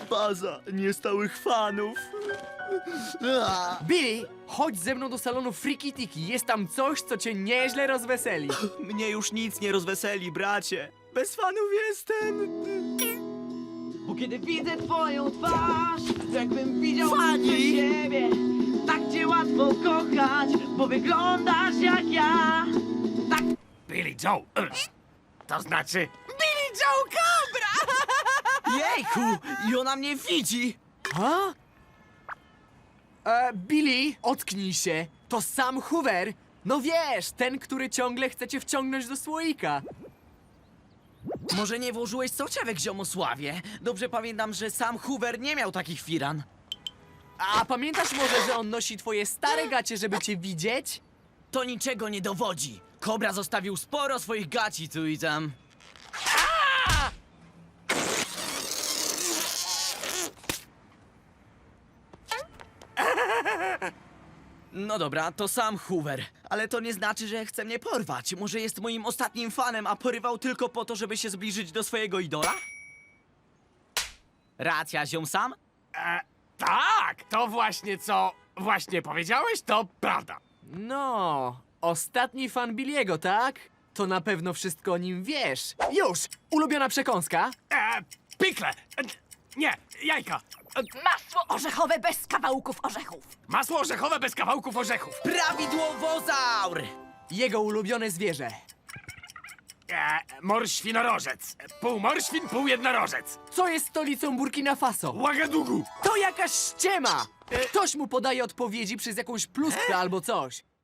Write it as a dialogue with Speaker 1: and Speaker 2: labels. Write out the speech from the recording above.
Speaker 1: Baza niestałych fanów.
Speaker 2: Billy, chodź ze mną do salonu Friki Tiki. Jest tam coś, co cię nieźle rozweseli.
Speaker 1: Mnie już nic nie rozweseli, bracie. Bez fanów jestem.
Speaker 3: Bo kiedy widzę twoją twarz, to jakbym widział
Speaker 1: Fani!
Speaker 3: siebie. Tak cię łatwo kochać, bo wyglądasz jak ja. Tak.
Speaker 4: Billy Joe. To znaczy...
Speaker 3: Billy Joe Cobra!
Speaker 1: Jejku, i ona mnie widzi.
Speaker 2: Ha? Billy, ocknij się. To Sam Hoover. No wiesz, ten, który ciągle chce cię wciągnąć do słoika.
Speaker 1: Może nie włożyłeś soczewek, ziomosławie? Dobrze pamiętam, że sam Hoover nie miał takich firan.
Speaker 2: A pamiętasz może, że on nosi twoje stare gacie, żeby cię widzieć?
Speaker 1: To niczego nie dowodzi. Kobra zostawił sporo swoich gaci tu i tam. No dobra, to sam Hoover, ale to nie znaczy, że chce mnie porwać. Może jest moim ostatnim fanem, a porywał tylko po to, żeby się zbliżyć do swojego idola? Racja, ziom Sam?
Speaker 4: Tak, to właśnie co właśnie powiedziałeś, to prawda.
Speaker 2: No, ostatni fan Billiego, tak? To na pewno wszystko o nim wiesz. Już! Ulubiona przekąska?
Speaker 4: Pikle. Nie, jajka.
Speaker 5: Masło orzechowe bez kawałków orzechów.
Speaker 4: Masło orzechowe bez kawałków orzechów.
Speaker 1: Prawidłowozaur!
Speaker 2: Jego ulubione zwierzę.
Speaker 4: Morświnorożec. Pół morświn, pół jednorożec.
Speaker 2: Co jest stolicą Burkina Faso?
Speaker 4: Ouagadougou.
Speaker 2: To jakaś ściema! Ktoś mu podaje odpowiedzi przez jakąś pluskwę albo coś.